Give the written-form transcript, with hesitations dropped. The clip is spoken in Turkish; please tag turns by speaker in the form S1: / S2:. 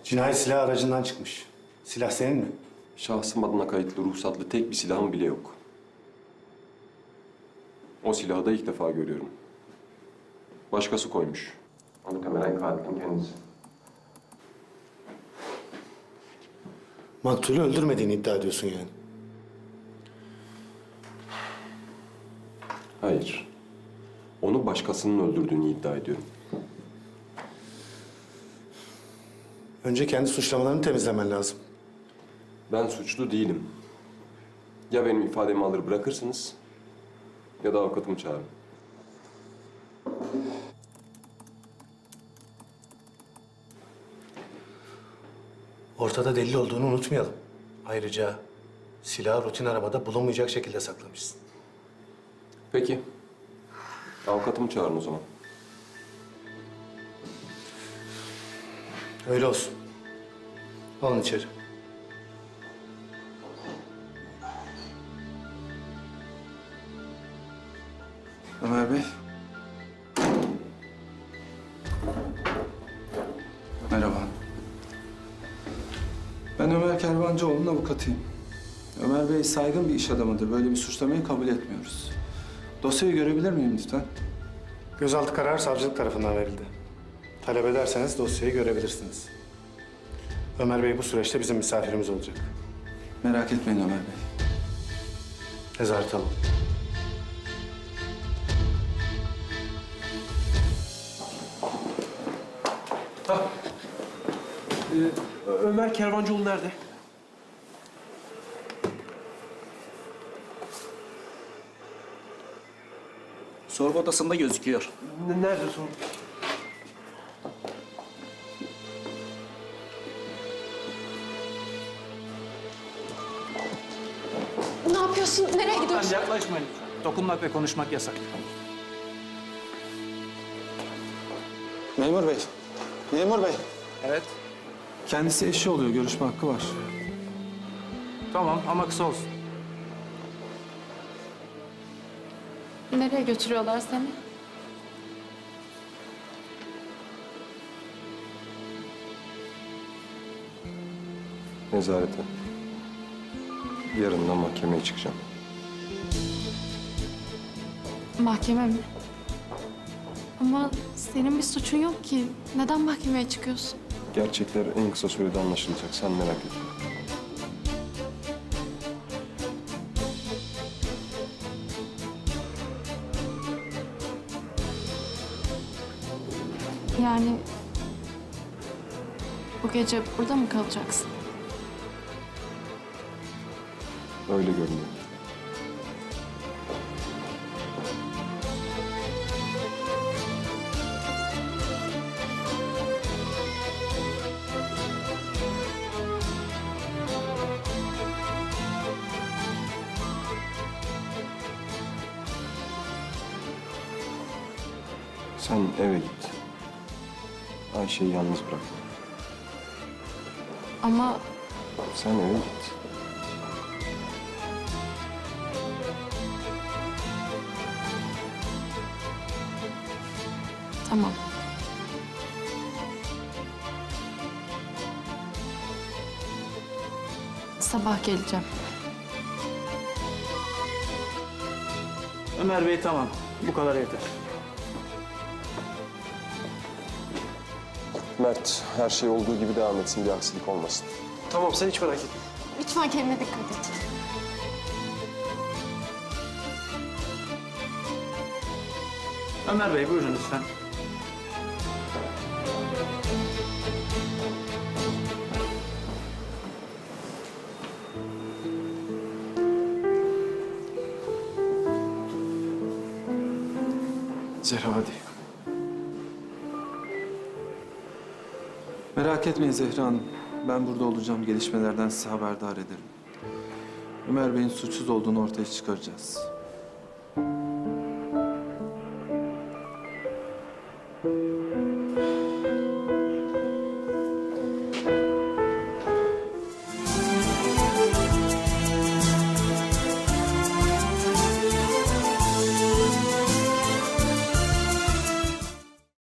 S1: Cinayet silahı aracından çıkmış. Silah senin mi?
S2: Şahsım adına kayıtlı ruhsatlı tek bir silahım bile yok. O silahı da ilk defa görüyorum. Başkası koymuş. Muhtemelen katilin kendisi.
S1: Maktulü öldürmediğini iddia ediyorsun yani.
S2: Hayır. Onu başkasının öldürdüğünü iddia ediyorum.
S1: Önce kendi suçlamalarını temizlemen lazım.
S2: Ben suçlu değilim. Ya benim ifademi alır bırakırsınız ya da avukatımı çağırın.
S1: Ortada delil olduğunu unutmayalım. Ayrıca silahı rutin arabada bulunmayacak şekilde saklamışsın.
S2: Peki. Avukatımı çağırın o zaman.
S1: Öyle olsun. Alın içeri.
S3: Ömer Bey. Merhaba. Ben Ömer Kervancıoğlu'nun avukatıyım. Ömer Bey saygın bir iş adamıdır. Böyle bir suçlamayı kabul etmiyoruz. Dosyayı görebilir miyim lütfen?
S1: Gözaltı kararı savcılık tarafından verildi. Talep ederseniz dosyayı görebilirsiniz. Ömer Bey bu süreçte bizim misafirimiz olacak.
S3: Merak etmeyin Ömer Bey.
S1: Nezarete alın.
S4: Ömer Kervancıoğlu nerede?
S5: Sorgu odasında gözüküyor.
S4: Nerede sorun?
S6: Ne yapıyorsun? Nereye gidiyorsun?
S5: Yaklaşmayın lütfen. Dokunmak ve konuşmak yasak.
S3: Memur Bey. Memur Bey.
S5: Evet.
S3: Kendisi eşi oluyor. Görüşme hakkı var.
S5: Tamam ama kısa olsun.
S6: Nereye götürüyorlar seni?
S2: Nezarete. Yarın da mahkemeye çıkacağım.
S6: Mahkeme mi? Ama senin bir suçun yok ki. Neden mahkemeye çıkıyorsun?
S2: Gerçekler en kısa sürede anlaşılacak. Sen merak etme.
S6: Yani bu gece burada mı kalacaksın?
S2: Öyle görünüyor. Sen eve git. Ayşe'yi yalnız bırak.
S6: Ama
S2: Sen eve git.
S6: tamam. Sabah geleceğim.
S5: Ömer Bey tamam. Bu kadar yeter.
S2: Mert, her şey olduğu gibi devam etsin. Bir aksilik olmasın.
S4: Tamam sen hiç merak etme.
S6: Lütfen kendine dikkat et.
S5: Ömer Bey buyurun lütfen.
S3: Zehra hadi. Merak etmeyin Zehra Hanım. Ben burada olacağım. Gelişmelerden size haberdar ederim. Ömer Bey'in suçsuz olduğunu ortaya çıkaracağız.